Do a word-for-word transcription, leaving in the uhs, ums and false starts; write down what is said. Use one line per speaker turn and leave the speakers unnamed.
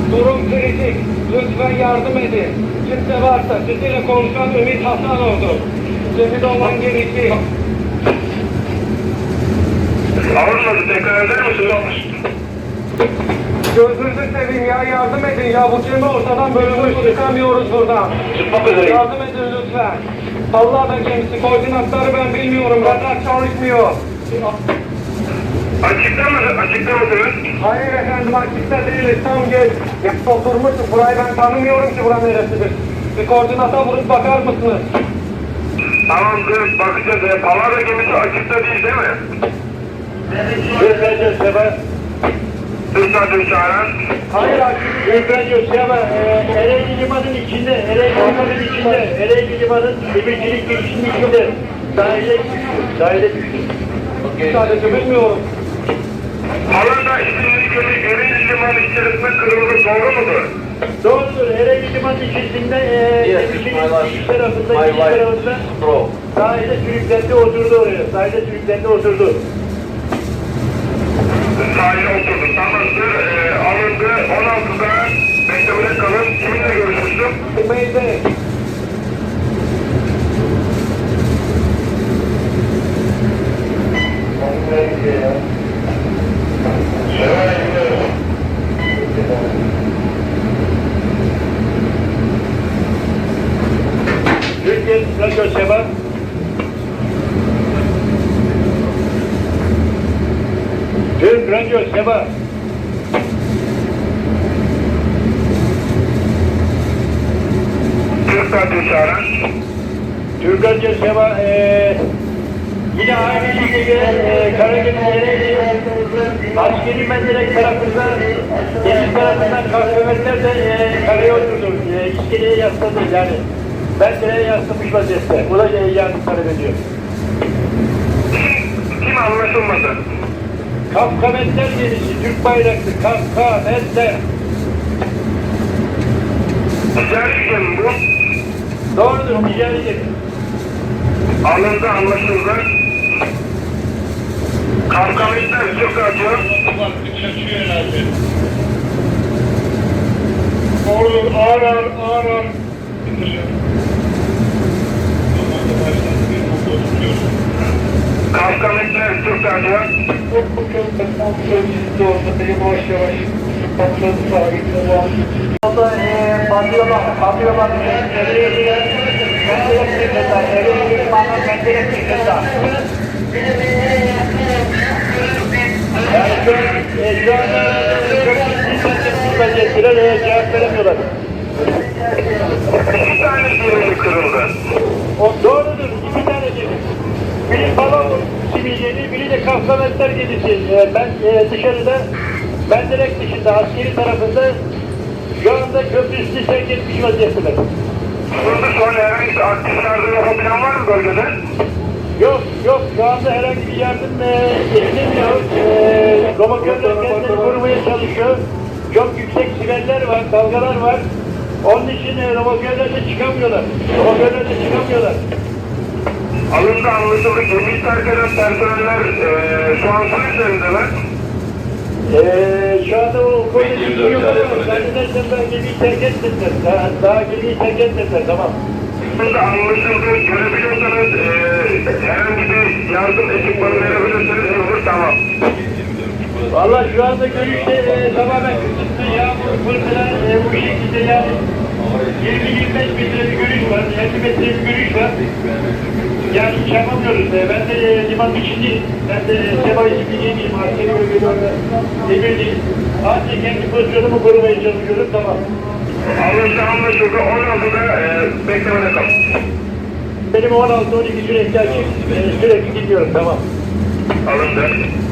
Durum kritik. Lütfen yardım edin. Kimse varsa sizinle konuşan Ümit Hasanoğlu. Cemil olan gerekli.
Anlamadım, tekrar eder misin? Olmuş.
Gözünüzü seveyim ya, yardım edin ya. Bu cemi ortadan bölünmüş, çıkamıyoruz buradan.
Çıkmak üzereyim.
Yardım edin lütfen. Allah da gemisi, koordinatları ben bilmiyorum. Radar çalışmıyor.
Açıkta mısın? Açıkta mısınız?
Hayır efendim, açıkta değiliz. Tam geç. Ya oturmuşuz. Burayı ben tanımıyorum ki buranın neresidir. Bir koordinata vurup bakar mısınız?
Tamamdır, bakacağız. E, Palavra gemisi açıkta değil değil mi?
Göstereceğiz Seba.
Üstadım çağıran.
Hayır açık.
Göstereceğiz Seba. Ee, Ereğli Limanı'nın içinde, Ereğli Limanı'nın içinde, Ereğli Limanı'nın demircilik girişinin içinde. Sahile düştü, sahile düştü.
Sadece bilmiyorum.
Alanda isimli gemi Ereğli Limanı içerisinde kırıldı, doğru mudur?
Doğrudur, Ereğli Limanı'nın içerisinde, e, demircilik giriş tarafında, giriş tarafında sahile sürüklendi, oturdu oraya. Sahile sürüklendi, oturdu.
Sahile oturdum, tamamdır. E, alındı, on altıda beklemede kalın. Kiminle görüşmüştüm?
Beyde.
Türkiye Radyo Seba. Türk Radyo Seba.
Türk Radyo çağıran.
Türk Radyo Seba eee yine aynı şekilde eee Karagümrük Ereğli askeri menderek tarafında deniz tarafından kahvemenler de eee karaya oturdu. Eee iskeleye yasladı yani. Mendereye yaslamış vaziyette. Bu da eee yardım talep ediyor.
Kim anlaşılmadı?
Kafkametler gemisi, Türk bayraklı Kafkametler.
Ticari gemi bu.
Doğrudur, ticari gemi.
Alındı, anlaşıldı. Kavkametler Türk Radyo.
Olur, ağır ağır, ağır ağır.
Kavkametler Türk Radyo.
Yavaş yavaş. Patladı sahibine var.
Orada eee batıyorlar, batıyorlar. Ereğli'ye menderek çıkırlar, Ereğli limanı menderek çıkırlar. Yani şu an, e, şu anda çok ciddi vaziyettiler, e, cevap veremiyorlar.
İki tane gemi kırıldı.
O doğrudur, iki tane gemi. Biri balon similleri, biri de Kafkametler gemisi. E, ben e, dışarıda, menderek dışında, askeri tarafında şu anda köprü üstü sevk etmiş vaziyetteler.
Burada şu an herhangi bir aktif yardım yapabilen var mı bölgede?
Yok, yok. Şu anda herhangi bir yardım e, edilemiyor. E, Romokörler kendilerini korumaya çalışıyor. Çok yüksek siveller var, dalgalar var. Onun için e, romokörler de çıkamıyorlar. Romokörler de çıkamıyorlar.
Alındı, anlaşıldı. Gemiyi terk eden personeller eee şu an su üzerindeler.
E, şu anda o konuda bilgi yok ama zannedersem ben gemiyi terk etmediler. Daha, daha gemiyi terk etmediler, tamam.
Alındı, anlaşıldı. Görebiliyorsanız eee herhangi bir yardım ekipmanı verebilirsiniz. Olur, tamam.
Valla şu anda görüşte e, tamamen kısıtlı yağmur, fırtına e, bu şekilde yani yirmi yirmi beş metre bir görüş var, elli metre bir görüş var. Yani hiç yapamıyoruz. E, ben de e, liman içindeyim. Ben de e, Seba isimli gemiyim. Askeri bölgede orada demirliyim. Sadece kendi pozisyonumu korumaya çalışıyorum, tamam.
Alındı, anlaşıldı. on altıda eee beklemede kalın.
Benim on altı on iki sürekli açık. E, sürekli gidiyorum, tamam.
Alındı.